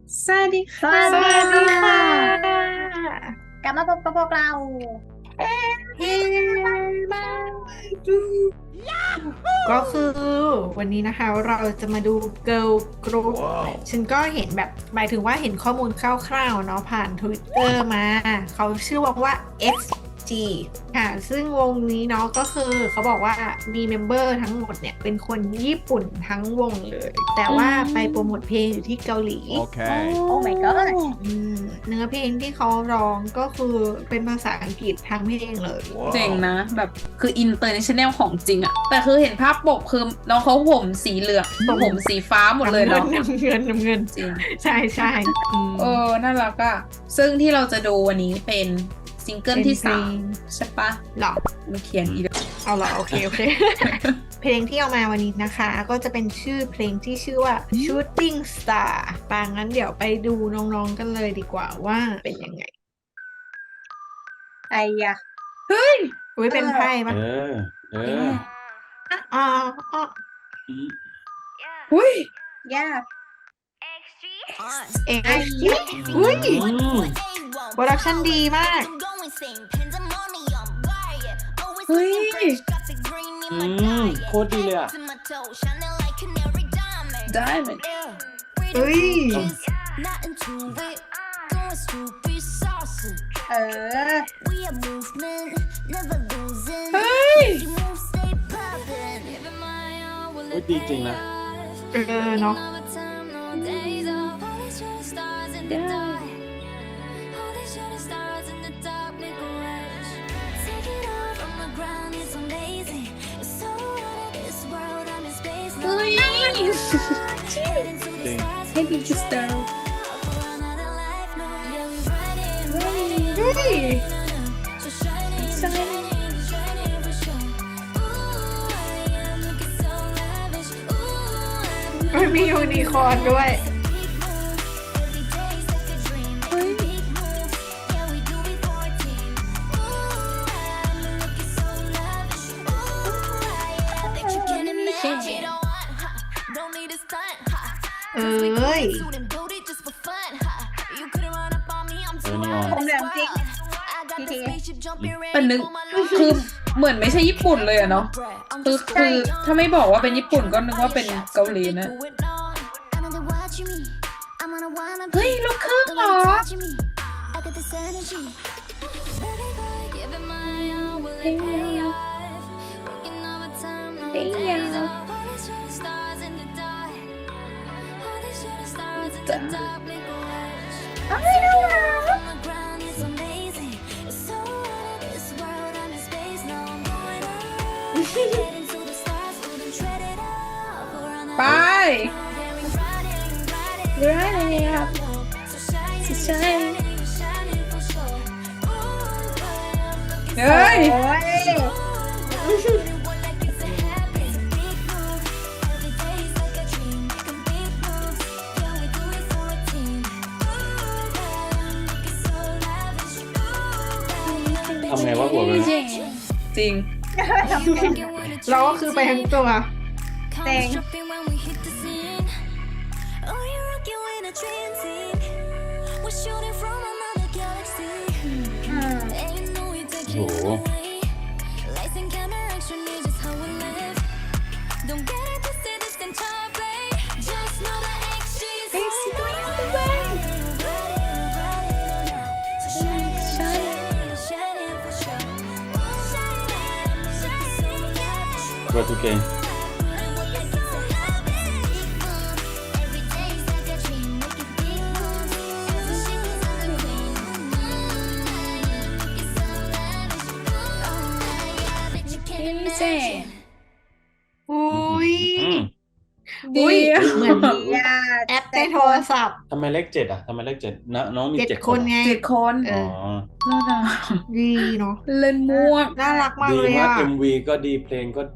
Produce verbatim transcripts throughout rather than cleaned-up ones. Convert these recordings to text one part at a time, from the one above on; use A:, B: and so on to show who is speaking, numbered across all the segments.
A: สวัสดี
B: ส
A: ค่ะ
B: วัสดีค่
A: ค่ะ
B: กลับมาพบกับพวกเรา
A: เฮ้มาดูก็คือวันนี้นะคะเราจะมาดู Girl Group ฉันก็เห็นแบบหมายถึงว่าเห็นข้อมูลคร่าวๆเนาะผ่าน Twitter มา เขาชื่อวงว่า เอ็กซ์ จี ค่ะ ซึ่งวงนี้เนาะก็คือเขาบอกว่ามีเมมเบอร์ทั้งหมดเนี่ยเป็นคนญี่ปุ่นทั้งวงเลย แต่ว่าไปโปรโมทเพลงอยู่ที่เกาหลี
C: Okay.
B: โอ้ my god
A: อืมเนื้อเพลงที่เขาร้องก็คือเป็นภาษาอังกฤษทั้งเพลงเลย
C: Wow.
D: เจ๋งนะแบบคืออินเตอร์เนชั่นแนลของจริงอะแต่คือเห็นภาพปกคือน้องเขาผมสีเหลืองผมสีฟ้าหมดเลยเนาะ
A: น้ำเงินน้ำเงิน
D: จริง
A: ใช่ใช่อืม
D: เออน่ารักอะซึ่งที่เราจะดูวันนี้เป็นซิงเกิลที่สามใช่ปะ
A: หรอ
D: มันเขียนอีก
A: เอาเหรอโอเคโอเค เพลงที่เอามาวันนี้นะคะ ก็จะเป็นชื่อเพลงที่ชื่อว่า Shooting Star ปางงั้นเดี๋ยวไปดูน้องๆกันเลยดีกว่าว่าเป็นยังไง
B: ไอ้ยะ
D: เฮ้ย
A: อุ้ยเป็นไพ่ปะ
C: เออ เออ
A: อ๋ออ๋อ
D: อุ้ย
B: ยาก
A: เอ็กซ์อุ้ย
C: อืม
A: โปรดักชั่นดีมาก
D: เฮ้ย
C: อืมโคตรดีเลยอ่ะ
D: ได้ไหม
A: เฮ้ย
B: เออ
D: เฮ้ย
C: โคตรดีจริงนะ
A: เออเนาะ
D: เฮ้ย
C: จริง
D: ให้ดีจุดสตาร์
A: เฮ้ย
D: ใช่
A: มันมียูนิคอร์นด้วย
D: เฮ้ย
A: เอ้ย
C: เออนี่ออน
B: ผมเหลืองจริงทีที
D: แต่นึกคือเหมือนไม่ใช่ญี่ปุ่นเลยอะเนาะคือคือถ้าไม่บอกว่าเป็นญี่ปุ่นก็นึกว่าเป็นเกาหลีนะ เฮ้ยลูกครึ่งเหรอ เฮ้ยเฮ้ยยาวจ้ะไปร้ายเลยครับใช่เฮ้ย
B: โอ้ย
C: ทำไงวะหัวเลย
D: จริงจริง
A: เราก็คือไปทั้งตัว
B: เจ๋ง อืม
C: โอ้โห เวอร์ทูเกน
D: เจ๊
A: อุ้ย
C: อืม
D: ดี
A: อุ้ย
D: อะ
A: เหมือน
B: ยาก
A: แอปในโทรศัพท์
C: ทำไมเลขเจ็ดอ่ะทำไมเลขเจ็ดนะน้องมี
A: เจ็ด
C: เจ็ด
A: ค
C: คน น
A: ไง
D: เจ็ดคน
A: เอ
C: อ๋อ
A: อ
D: น่ารัก
A: ดีเนาะ
D: เล่นมั่ว
A: น่ารักมาก
C: ดี
A: เลย
C: มาก
A: อ่ะ
C: เอ็มวีก็ดีเพลงก็ดีอ่ะ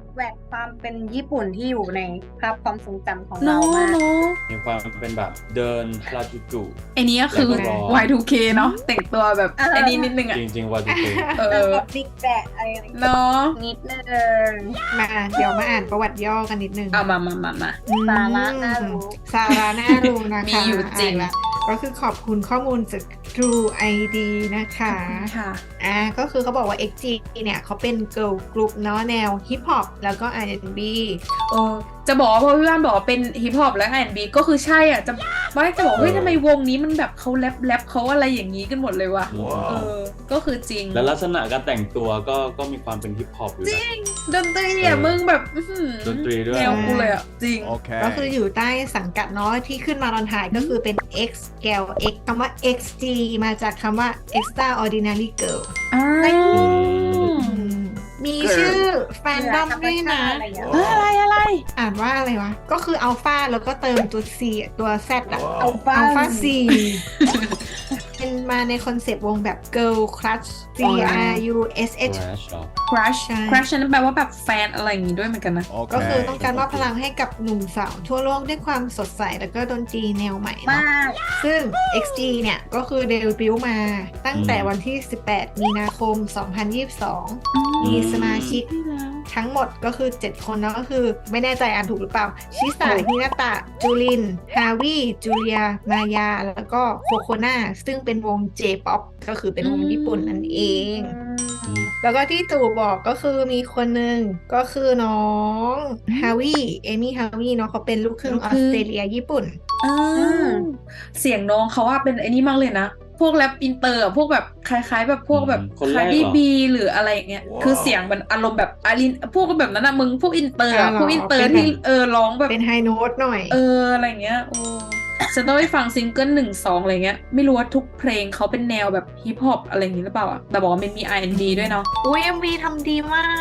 E: แหวกความเป็นญี่ปุ่นที่อยู่ในภาพความทรงจำของ
D: เนาะ
E: เรามาก
D: เนาะ
C: มีความเป็นแบบเดินฮาราจูกุ
D: ไอ้นี้ก็คือ
C: แล้วก็รอ
D: วาย ทู เค เนาะแต่งตัวแบบ
E: เออ
D: ไอ้นี้นิดนึงอ่ะ
C: จริงๆวาจูกุ
D: เออ
E: แบบบิ๊กแบะอะไรอย่างเงี้ย
D: เนาะ
E: นิดนึง
A: มาเดี๋ยวมาอ่านประวัติย่อกันนิดนึง
D: เอามามามามา
A: อืม
E: สาระน่ารู้
A: สาระน่ารู้นะคะ
D: มีอยู่จริง
A: อ่านละก็คือขอบคุณข้อมูลจาก True ไอ ดี นะคะ
D: ค่ะ
A: อ่าก็คือเขาบอกว่า เอ็กซ์ จี เนี่ยเขาเป็นเกิร์ลกรุ๊ปเนาะแนวฮิปฮอปแล้วก็ อาร์ แอนด์ บี
D: เออจะบอกว่าพอพี่บ้านบอกว่าเป็นฮิปฮอปและ อาร์ แอนด์ บี ก็คือใช่อ่ะจะไม่จะบอกเฮ้ยทำไมวงนี้มันแบบเขาแรปแรปเขาอะไรอย่างนี้กันหมดเลยวะเออก็คือจริง
C: แล้วลักษณะการแต่งตัวก็ก็มีความเป็นฮิปฮอปอยู่นะ
D: ดนตรีอ่ะ
C: เออ
D: มึงแบบอื้อหือ
C: ดนตรีด้วย
D: แนวกูเลยอ่ะ จริง
A: ก็คืออยู่ใต้สังกัดเนาะที่ขึ้นมาตอนถ่ายก็คือเป็น X Girl X คำว่า เอ็กซ์ จี มาจากคำว่า Extraordinary Girl
D: อ่า
A: อืมมีชื่อแฟนดอมด้วยนะ
E: อะไรอย่างเงี้ย
D: เอ้ยอะไรอะไร
A: อ่านว่าอะไรวะ ก็คืออัลฟาแล้วก็เติมตัว C ตัว Z อะ
E: เอาบ้า
A: อัลฟา C เป็นมาในคอนเซปต์วงแบบ Girl Crush C R U S H
C: Crash เหรอ
D: crush
A: ใช่
D: crush นั่นแปลว่าแบบแฟนอะไรอย่างงี้ด้วยเหมือนกันนะ
A: ก็คือต้องการมอบพลังให้กับหนุ่มสาวทั่วโลกด้วยความสดใสแล้วก็ดนตรีแนวใหม่เนาะ
E: มาก
A: ซึ่ง เอ็กซ์ จี เนี่ยก็คือเดบิวต์มาตั้งแต่วันที่ สิบแปด มีนาคม สองพันยี่สิบสอง มีสมาชิกทั้งหมดก็คือ เจ็ด คนเนาะก็คือไม่แน่ใจอ่านถูกหรือเปล่า ชิสา
D: โอ้
A: ฮินาตะ จูริน ฮาวิจูเลีย มายา แล้วก็โคโคนาซึ่งเป็นวง J-POP ก็คือเป็นวงญี่ปุ่นนั่นเอง
C: อืม
A: แล้วก็ที่ตู่บอกก็คือมีคนหนึ่งก็คือน้องฮาวิเอมี่ฮาวิเนาะเขาเป็นลูกครึ่ง
D: ลู
A: อก
D: ค
A: อ
D: รึ่
A: ส
D: ง
A: เตรเลียญี่ปุ่น
D: อ่าเสียงน้องเขาว่าเป็นไอ้นี่มากเลยนะ พวกแรปอินเตอร์อะพวกแบบคล้ายๆ แบบพวกแบบ
C: อืมคนแร
D: คาก ร์
C: เหรอ
D: ดี้บีหรืออะไรอย่างเงี้ยคือเสียงมันอารมณ์แบบอารินพวกแบบนั้นอะมึงพวกอินเตอร์อะ
A: อ่าเหรอ
D: พวกอินเตอร์
A: เป็นแบบ
D: ที่เออร้องแบบ
A: เป็นไฮโน้ตหน่อย
D: เอออะไรอย่างเงี้ยโอ้ฉันต้องไปฟังซิงเกิลหนึ่งสองอะไรเงี้ยไม่รู้ว่าทุกเพลงเขาเป็นแนวแบบฮิปฮอปอะไรอย่างงี้หรือเปล่าอะแต่บอกว่ามันมี อาร์ แอนด์ บี ด้วยเนาะ
A: อุ้ยเอ็มวีทำดีมาก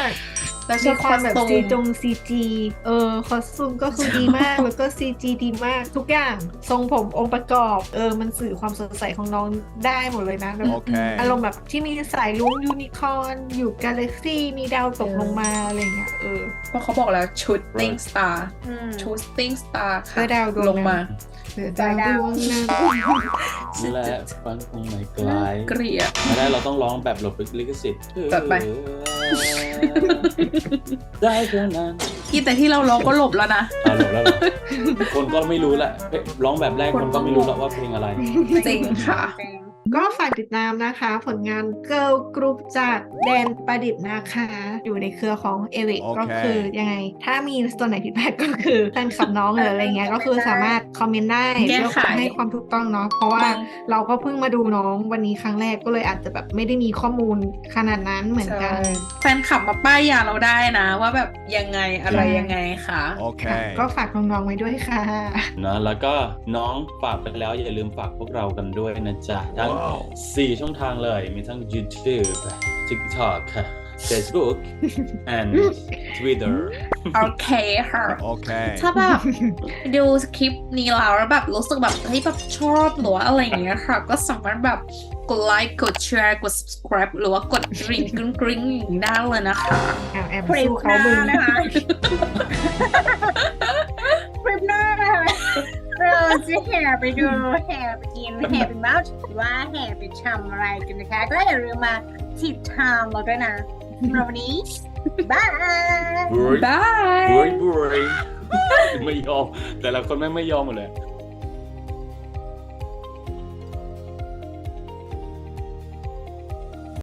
D: แล้วช
A: มี
D: อบ
A: ความแบบ
D: คอสตู
A: ซี
D: ม
A: จงซีจีเออคอสตูมก็คือดีมาก แล้วก็ซีจีดีมาก ทุกอย่างทรงผมองค์ประกอบ เออ มันสื่อความสดใสของน้องได้หมดเลยนะแบบ
F: Okay.
A: อารมณ์แบบที่มีสายลุ้งยูนิคอร์นอยู่กาแล็กซี่มีดาวตกลงมาอะไรเงี้ยเออ
D: เพราะเขาบอกแล้วชุดติ้งสตาร์
E: อืม
D: ชุดติ้งสตาร์ค่ะ
A: เพื่อดาวดวง
D: ลงมา
A: เสือดาวดวงนั้น
C: และฟันคงไม่ไกล
D: เกลียด
C: ไม่ได้เราต้องร้องแบบหลบลิขสิทธิ์
D: จัดไป
C: ได้เท่านั้น
D: อีแต่ที่เราร้องก็หลบแล้วนะ
C: อ่าหลบแล้วเหรอคนก็ไม่รู้แหละเฮ้ยร้องแบบแรกคนก็ไม่รู้แล้วว่าเพลงอะไร
D: จริงค่ะ
E: จริง
A: ก็ฝากติดตามนะคะ ผลงาน Girl Group จากแดนประดิษฐ์นะคะ อยู่ในเครือของเอวิก
F: โอเค
A: ก็คือยังไง ถ้ามีตัวไหนผิดพลาดก็คือแฟนคลับน้องหรืออะไรเงี้ย ก็คือสามารถคอมเมนต์ได้
D: แก้
A: เพื่อ
D: ไข
A: ให้ความถูกต้องเนาะเพราะว่าเราก็เพิ่งมาดูน้องวันนี้ครั้งแรกก็เลยอาจจะแบบไม่ได้มีข้อมูลขนาดนั้นเหมือนกัน
D: แฟนคลับมาป้ายยาเราได้นะ ว่าแบบยังไงอะไรยังไงค่ะ
A: ค่ะ
F: Okay.
A: ก็ฝากน้องๆไว้ด้วยค่ะ
C: นะแล้วก็น้องฝากไปแล้วอย่าลืมฝากพวกเรากันด้วยนะจ๊ะ ทั้ง
F: ว้าว
C: สี่ช่องทางเลย มีทั้ง YouTube TikTok Facebook and Twitter
D: โอเคค่ะ
F: Okay.
D: ถ้าแบบดูคลิปนี้แล้วแล้วแบบรู้สึกแบบเฮ้ยแบบชอบหรือว่าอะไรอย่างเงี้ยค่ะ ก็สามารถแบบกดไลค์กดแชร์กด subscribe หรือว่ากดกริ่งกริ๊งกริ๊งอย่างนี้ได้เลยนะคะ
A: แอบแอบ
E: คลิป
A: สู้
E: ห
A: เขา
E: น้า
A: บึง
E: นะคะคลิปหน้านะคะเราจะแห่ไปดูแห่ไปกินแห่ไปเมาส์หรือว่าแห่ไปทำอะไรกันนะคะ ก็อย่าลืมมาติดตามเราด้วยนะสำหรับวันนี้บาย
C: บุย
D: บาย
C: บุยบุยไม่ยอม แต่ละคนไม่งไม่ยอมหมดเลย